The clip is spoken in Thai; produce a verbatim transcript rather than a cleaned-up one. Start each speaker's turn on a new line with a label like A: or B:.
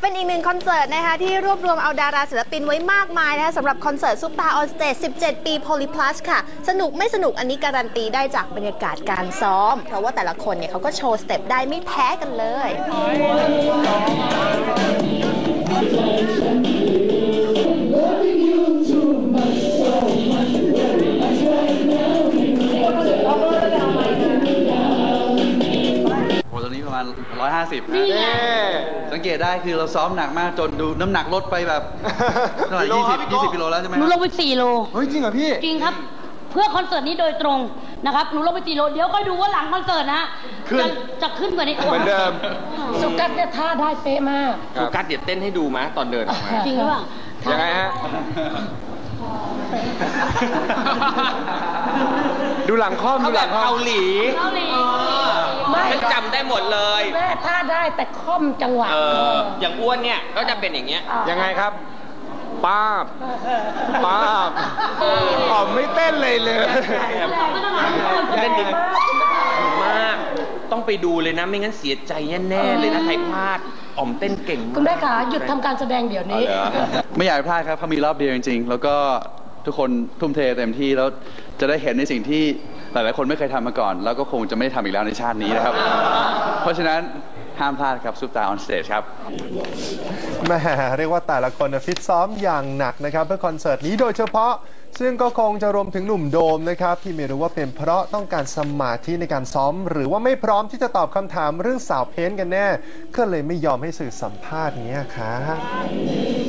A: เป็นอีกหนึ่งคอนเสิร์ตนะคะที่รวบรวมเอาดาราศิลปินไว้มากมายนะคะสำหรับคอนเสิร์ตซุปตาออนสเตจสิบเจ็ด ปี Polyplus ค่ะสนุกไม่สนุกอันนี้การันตีได้จากบรรยากาศการซ้อมเพราะว่าแต่ละคนเนี่ยเขาก็โชว์สเต็ปได้ไม่แพ้กันเลย
B: ตอนนี้ประมาณหนึ่งร้อยห้าสิบนะสังเกตได้คือเราซ้อมหนักมากจนดูน้ำหนักลดไปแบบเท่าไหร่ยี่สิบ ยี่สิบกิโลแล้วใช่ไหมห
C: นูลงไปสี่โล
D: เฮ้ยจริงเหรอพี่
C: จริงครับเพื่อคอนเสิร์ตนี้โดยตรงนะครับหนูลงไปสี่โลเดี๋ยวก็ดูว่าหลังคอนเสิร์ตนะจะจะขึ้นกว่านี้
D: เหมือนเดิม
C: สุกัสเนี่ยท่าได้เป๊ะมาก
E: สุกัสเดี๋ยวเต้นให้ดูมั้ยตอนเดินออกมา
C: จริงหรือเปล่า
D: ยังไงฮะดูหลังค่อมดูหลังค่อม
E: เกาหลี
C: เกาหลี
E: ไม่จำได้หมดเลย
C: แม่ท่าได้แต่ค่อมจังหวะ
E: เอออย่างอ้วนเนี่ยก็จะเป็นอย่างเงี้ย
D: ยังไงครับป้าบป้าบอ๋อไม่เต้นเลยเลย
E: เต้นดีมากต้องไปดูเลยนะไม่งั้นเสียใจแน่ๆเลยนะใครพลาดอ๋อมเต้นเก่งมาก
C: คุณแม่ขาหยุดทำการแสดงเดี๋ยวนี้
B: ไม่อยากพลาดครับเขามีรอบเดียวจริงๆแล้วก็ทุกคนทุ่มเทเต็มที่แล้วจะได้เห็นในสิ่งที่หลายๆคนไม่เคยทำมาก่อนแล้วก็คงจะไม่ได้ทำอีกแล้วในชาตินี้นะครับเพราะฉะนั้นห้ามพลาดครับซุปตาออนสเตจครับ
D: แม่เรียกว่าแต่ละคนฟิตซ้อมอย่างหนักนะครับเพื่อคอนเสิร์ตนี้โดยเฉพาะซึ่งก็คงจะรวมถึงหนุ่มโดมนะครับที่ไม่รู้ว่าเป็นเพราะต้องการสมาธิในการซ้อมหรือว่าไม่พร้อมที่จะตอบคำถามเรื่องสาวเพ้นกันแน่ก็เลยไม่ยอมให้สื่อสัมภาษณ์นี้ครับ